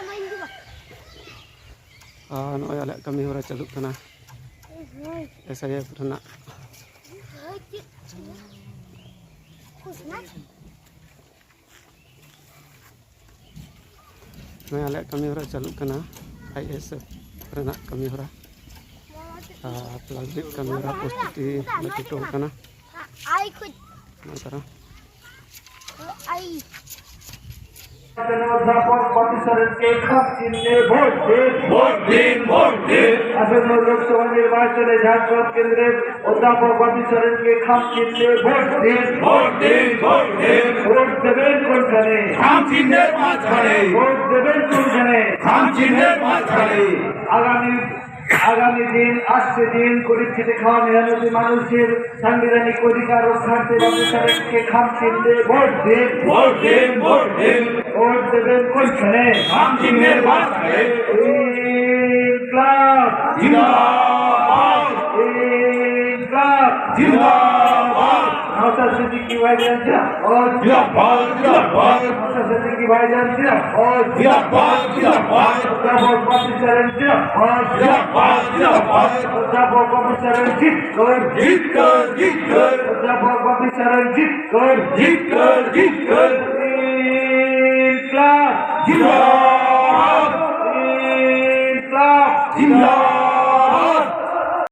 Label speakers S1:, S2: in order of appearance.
S1: Noy alek kami hora celuk kena saya pernah noy alek kami hora celuk kena IS pernah kami hora pelajik kami hora prostitusi betul kena antara
S2: অধ্যাপক প্রতিষ্ঠানকে খাপ চিহ্নে ভোট দিন আসন্ন লোকসভা নির্বাচনে ঝাড়খণ্ড কেন্দ্রের অধ্যাপক প্রতিষ্ঠানকে খাপ চিহ্নে ভোট দিন ভোট দেবেন কোনখানে
S3: খাম চিহ্নের মাঝখানে
S2: ভোট দেবেন কোনখানে
S3: খাম চিহ্নের মাঝখানে
S2: আগামী দিন আসছে দিন গরিব খেটে খাওয়া মেহনতি মানুষের সাংবিধানিক অধিকার রক্ষার্থে প্রতিষ্ঠানকে খাপ চিহ্নে ভোট দিন ভোট দেবেন কোনখানে
S3: খাম চিহ্নের মাঝখানে
S2: ইনকলাব
S3: জিন্দাবাদ জিন্দাবাদ
S2: নওশাদ সিদ্দিকী ভাইজান
S3: জিন্দাবাদ
S2: নওশাদ সিদ্দিকী ভাইজান
S3: জিন্দাবাদ
S2: অধ্যাপক প্রতিষ্ঠান অধ্যাপক প্রতিষ্ঠান জিত কর
S3: জিত কর
S2: অধ্যাপক প্রতিষ্ঠান জিত কর